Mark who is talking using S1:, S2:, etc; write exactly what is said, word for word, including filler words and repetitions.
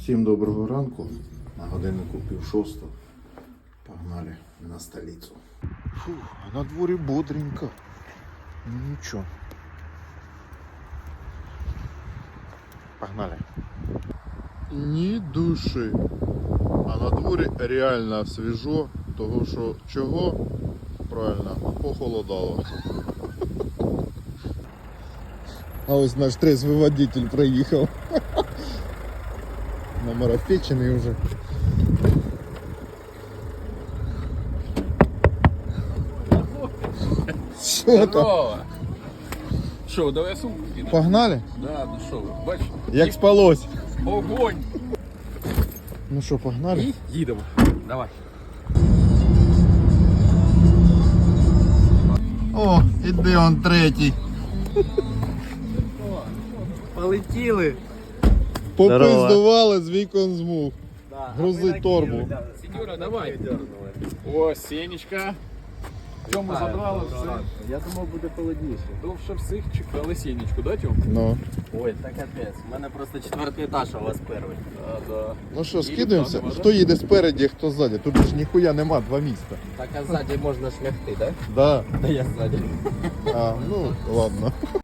S1: Всім доброго ранку. На годиннику пів шостого. Погнали на столицю. Фух, а на дворі бодренько. Ну нічого. Погнали. Ні душі. А на дворі реально свіжо. Того що чого? Правильно, похолодало. А ось наш трезвий водитель проїхав. Намарафечений вже. Що там?
S2: Що, давай сумку кинемо?
S1: Погнали?
S2: Да, ну що ви, бачиш?
S1: Як спалось?
S2: Огонь!
S1: Ну що, погнали?
S2: І їдемо. Давай.
S1: О, іде он третій.
S3: Полетіли.
S1: Попиздували з вікон змуг.
S3: Да,
S1: Грузи торбу.
S2: Сеньора, давай. О, Сенечка. Тьому забрали все.
S3: Я думав, буде холодніше.
S2: Довше всіх чекали Сенечку, да, Тьом?
S1: Ну.
S3: Ой, так капець. У мене просто четвертий етаж, а у вас перший.
S2: Да, да.
S1: Ну що,
S2: І
S1: скидаємося?
S2: там,
S1: Хто їде спереді, хто ззаді? Тут ж ніхуя нема, два міста.
S3: Так, а ззаді можна шляхти, так?
S1: Да.
S3: Да я ззаді.
S1: А, ну ладно.